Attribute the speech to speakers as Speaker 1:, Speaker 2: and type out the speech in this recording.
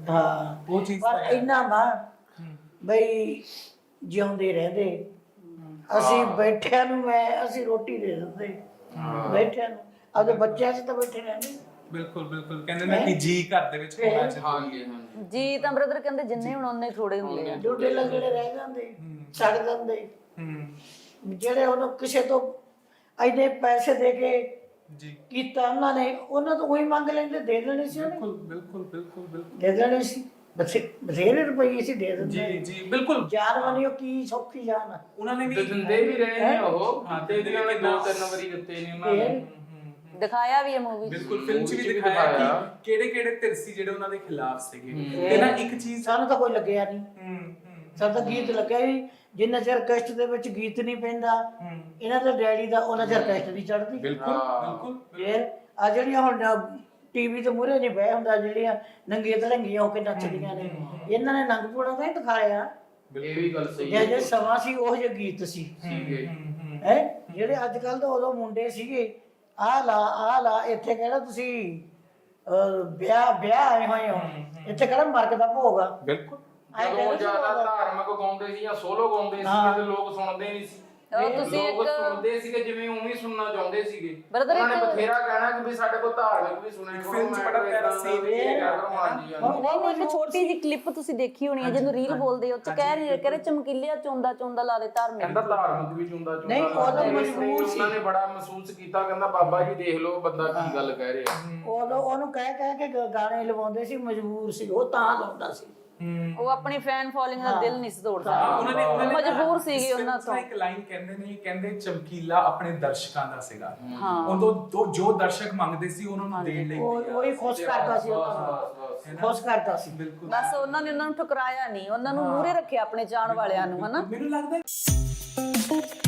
Speaker 1: ਹਾਂ
Speaker 2: ਉਹ ਚੀਜ਼
Speaker 1: ਪਰ ਇੰਨਾ ਵਾ ਬਈ ਜਿਉਂਦੇ ਰਹਿੰਦੇ ਅਸੀਂ ਬੈਠਿਆਂ ਨੂੰ ਅਸੀਂ ਰੋਟੀ ਦੇ ਦਿੰਦੇ ਬੈਠਿਆਂ ਨੂੰ ਆਪਦੇ ਬੱਚਿਆਂ 'ਚ ਤਾਂ ਬੈਠੇ ਰਹਿੰਦੇ।
Speaker 2: ਬਿਲਕੁਲ ਬਿਲਕੁਲ ਕਹਿੰਦੇ ਨੇ ਕਿ ਜੀ ਘਰ ਦੇ ਵਿੱਚ ਹੋਣਾ
Speaker 3: ਹਾਂਜੀ
Speaker 4: ਜੀ ਤਾਂ ਬ੍ਰਦਰ ਕਹਿੰਦੇ ਜਿੰਨੇ ਹੁਣ ਉਹਨੇ ਥੋੜੇ ਹੁੰਦੇ ਆ।
Speaker 1: ਡੋਡੇ ਲੱਗੜੇ ਰਹਿ ਜਾਂਦੇ ਛੱਡ ਦਿੰਦੇ ਜਿਹੜੇ ਉਹਨੂੰ ਕਿਸੇ ਤੋਂ ਇੰਨੇ ਪੈਸੇ ਦੇ ਕੇ
Speaker 2: ਜੀ
Speaker 1: ਕੀਤਾ ਉਹਨਾਂ ਨੇ ਉਹਨਾਂ ਤੋਂ ਉਹੀ ਮੰਗ ਲੈਂਦੇ ਦੇ ਦੇਣੇ ਸੀ ਉਹਨੇ
Speaker 2: ਬਿਲਕੁਲ ਬਿਲਕੁਲ ਬਿਲਕੁਲ ਬਿਲਕੁਲ
Speaker 1: ਦੇ ਦੇਣੇ ਸੀ ਬਥੇਰੇ ਰੁਪਏ ਸੀ ਦੇ ਦਿੰਦੇ
Speaker 2: ਜੀ ਜੀ ਬਿਲਕੁਲ
Speaker 1: ਜਾਨ ਵਾਲੀ ਉਹ ਕੀ ਸੌਖੀ ਜਾਨ ਆ।
Speaker 2: ਉਹਨਾਂ ਨੇ ਵੀ
Speaker 3: ਦਿੰਦੇ ਵੀ ਰਹੇ ਨੇ ਉਹ
Speaker 2: ਹਾਂ,
Speaker 3: ਤੇ ਇਹਨਾਂ ਨੇ 2-3 ਵਾਰੀ ਦਿੱਤੇ ਨੇ ਉਹਨਾਂ ਨੇ।
Speaker 4: ਦਿਖਾਇਆ ਵੀ ਹੈ ਮੂਵੀ
Speaker 2: ਬਿਲਕੁਲ ਫਿਲਮ 'ਚ ਵੀ ਦਿਖਾਇਆ ਕਿ ਕਿਹੜੇ ਕਿਹੜੇ ਧਿਰ ਸੀ ਜਿਹੜੇ ਉਹਨਾਂ ਦੇ ਖਿਲਾਫ ਸੀਗੇ ਤੇ ਨਾ ਇੱਕ ਚੀਜ਼
Speaker 1: ਸਾਨੂੰ ਤਾਂ ਕੋਈ ਲੱਗਿਆ ਨਹੀਂ ਸਾਨੂੰ ਤਾਂ ਗੀਤ ਲੱਗਿਆ ਵੀ ਜਿੰਨਾ ਚਿਰ ਕਸ਼ਟ ਦੇ ਵਿੱਚ ਗੀਤ ਨਹੀਂ ਪੈਂਦਾ ਇਹਨਾਂ ਦੇ ਡੈਡੀ ਦਾ ਉਹਨਾਂ ਚਿਰ ਕਸ਼ਟ ਨਹੀਂ ਚੜਦੀ।
Speaker 2: ਬਿਲਕੁਲ ਬਿਲਕੁਲ
Speaker 1: ਫਿਰ ਆ ਜਿਹੜੀਆਂ ਹੁਣ ਟੀਵੀ ਤੇ ਮੂਹਰੇ ਨਹੀਂ ਬਹਿ ਹੁੰਦਾ ਜਿਹੜੀਆਂ ਨੰਗੀਆਂ ਧੜੰਗੀਆਂ ਹੋ ਕੇ ਨੱਚਦੀਆਂ ਨੇ ਇਹਨਾਂ ਨੇ ਨੰਗਪੂੜਾ ਤਾਂ ਹੀ ਦਿਖਾਇਆ।
Speaker 3: ਇਹ ਵੀ ਗੱਲ ਸਹੀ
Speaker 1: ਜੇ ਸਮਾਂ ਸੀ ਉਹ ਜਿਹੇ ਗੀਤ ਸੀ
Speaker 3: ਸੀਗੇ
Speaker 1: ਹੈ ਜਿਹੜੇ ਅੱਜ ਕੱਲ ਦੇ ਉਦੋਂ ਮੁੰਡੇ ਸੀਗੇ ਆਹ ਲਾ ਇੱਥੇ ਕਿਹੜਾ ਤੁਸੀਂ ਵਿਆਹ ਆਏ ਹੋਏ ਹੋ ਇੱਥੇ ਕਿਹੜਾ ਮਰਗ ਦਾ ਭੋਗ ਆ।
Speaker 2: ਬਿਲਕੁਲ
Speaker 3: ਜਦੋਂ ਜ਼ਿਆਦਾ ਧਾਰਮਿਕ ਗਾਉਂਦੇ ਸੀ ਜਾਂ ਸੋਲੋ ਗਾਉਂਦੇ ਸੀ ਤੇ ਲੋਕ ਸੁਣਦੇ ਨਹੀਂ ਸੀ।
Speaker 4: ਤੁਸੀਂ
Speaker 3: ਲੋਕ ਸੁਣਦੇ ਸੀਗੇ ਜਿਵੇਂ ਉਵੇਂ ਸੁਣਨਾ ਚਾਹੁੰਦੇ ਸੀਗੇ।
Speaker 4: Brother,
Speaker 3: ਉਹਨਾਂ ਨੇ ਬਥੇਰਾ ਕਹਿਣਾ ਕਿ ਵੀ ਸਾਡੇ ਕੋਲ ਧਾਰਮਿਕ ਵੀ ਸੁਣਿਆ ਕਰੋ।
Speaker 2: ਫਿਲਮ 'ਚ ਬੜਾ ਪਿਆਰਾ scene ਹੈ।
Speaker 3: ਹਾਂਜੀ
Speaker 4: ਨਹੀਂ ਇੱਕ ਛੋਟੀ ਜਿਹੀ ਕਲਿੱਪ ਤੁਸੀਂ ਦੇਖੀ ਹੋਣੀ ਹੈ ਜਦੋਂ ਰੀਲ ਬੋਲਦੇ ਉਹ ਚ ਕਹਿ ਰਹੇ ਚਮਕੀਲਿਆ ਚੋਂਦਾ ਲਾ ਦੇ ਧਾਰਮਿਕ।
Speaker 3: ਕਹਿੰਦਾ ਧਾਰਮਿਕ ਵੀ ਚੁੰਦਾ
Speaker 1: ਨਹੀਂ, ਉਦੋਂ ਮਜਬੂਰ ਸੀ।
Speaker 3: ਉਹਨਾਂ ਨੇ ਬੜਾ ਮਹਿਸੂਸ ਕੀਤਾ ਕਹਿੰਦਾ ਬਾਬਾ ਜੀ ਦੇਖ ਲਓ ਬੰਦਾ ਕੀ ਗੱਲ ਕਹਿ ਰਿਹਾ।
Speaker 1: ਉਦੋਂ ਉਹਨੂੰ ਕਹਿ ਕੇ ਗਾਣੇ ਲਵਾਉਂਦੇ ਸੀ ਮਜਬੂਰ ਸੀ ਉਹ ਤਾਂ ਲਾਉਂਦਾ ਸੀ।
Speaker 4: ਉਹ ਆਪਣੀ ਫੈਨ ਫੋਲੋਇੰਗ ਦਾ ਦਿਲ ਨਹੀਂ ਸੀ ਤੋੜ
Speaker 2: ਹਾਂ,
Speaker 4: ਸਕਦਾ
Speaker 2: ਉਹਨਾਂ ਨੇ
Speaker 4: ਮਜਬੂਰ ਸੀਗੇ ਉਹਨਾਂ ਤੋਂ।
Speaker 2: ਇੱਕ ਲਾਈਨ ਕਹਿੰਦੇ ਨੇ ਕਹਿੰਦੇ ਚਮਕੀਲਾ ਆਪਣੇ ਦਰਸ਼ਕਾਂ ਦਾ ਸੀਗਾ ਉਦੋਂ ਜੋ ਦਰਸ਼ਕ ਮੰਗਦੇ ਸੀ ਉਹਨਾਂ ਨੂੰ ਦੇਣ ਲਈ
Speaker 1: ਉਹ ਹੀ ਖੁਸ਼ ਕਰਦਾ ਸੀ ਉਹਨਾਂ ਨੂੰ ਖੁਸ਼ ਕਰਦਾ ਸੀ।
Speaker 2: ਬਿਲਕੁਲ
Speaker 4: ਬਸ ਉਹਨਾਂ ਨੇ ਉਹਨਾਂ ਨੂੰ ਠੁਕਰਾਇਆ ਨਹੀਂ ਉਹਨਾਂ ਨੂੰ ਮੂਹਰੇ ਰੱਖਿਆ ਆਪਣੇ ਚਾਹਣ ਵਾਲਿਆਂ ਨੂੰ ਹਨਾ।
Speaker 2: ਮੈਨੂੰ ਲੱਗਦਾ